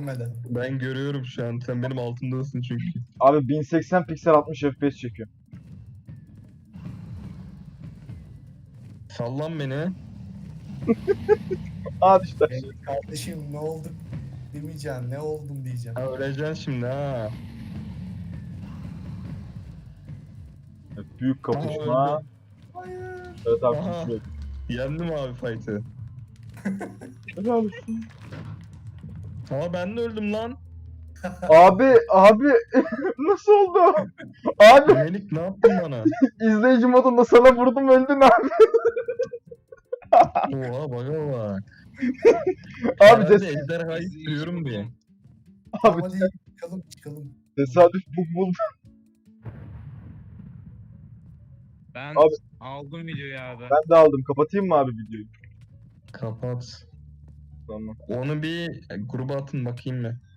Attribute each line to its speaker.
Speaker 1: görmeden.
Speaker 2: Ben görüyorum şu an. Sen benim altımdasın çünkü.
Speaker 3: Abi 1080 piksel 60 FPS çekiyor.
Speaker 2: Sallan beni.
Speaker 3: Hadi işte.
Speaker 1: Kardeşim ne oldu demeyeceğim. Ne oldum diyeceğim.
Speaker 2: Ha, öleceksin şimdi ha.
Speaker 3: Evet, büyük
Speaker 2: Aha,
Speaker 3: kapışma.
Speaker 2: öldü.
Speaker 1: Hayır.
Speaker 3: Evet abi
Speaker 2: Aha.
Speaker 3: düşüyor.
Speaker 2: Yendim abi fight'ı.
Speaker 3: Helal olsun.
Speaker 2: Ama ben de öldüm lan.
Speaker 3: Abi nasıl oldu? Abi
Speaker 2: Melik ne yaptın bana?
Speaker 3: izleyici modunda sana vurdum öldün abi.
Speaker 2: Oha baka bak.
Speaker 3: Abi
Speaker 2: Herhalde ejderhayı sürüyorum diye.
Speaker 3: Abi
Speaker 1: Hadi çıkalım.
Speaker 3: tesadüf bu buldu.
Speaker 4: Ben
Speaker 3: Abi.
Speaker 4: aldım videoyu abi.
Speaker 3: Ben de aldım. Kapatayım mı abi videoyu?
Speaker 2: Kapat.
Speaker 3: Tamam.
Speaker 2: Onu bir gruba atın bakayım mı?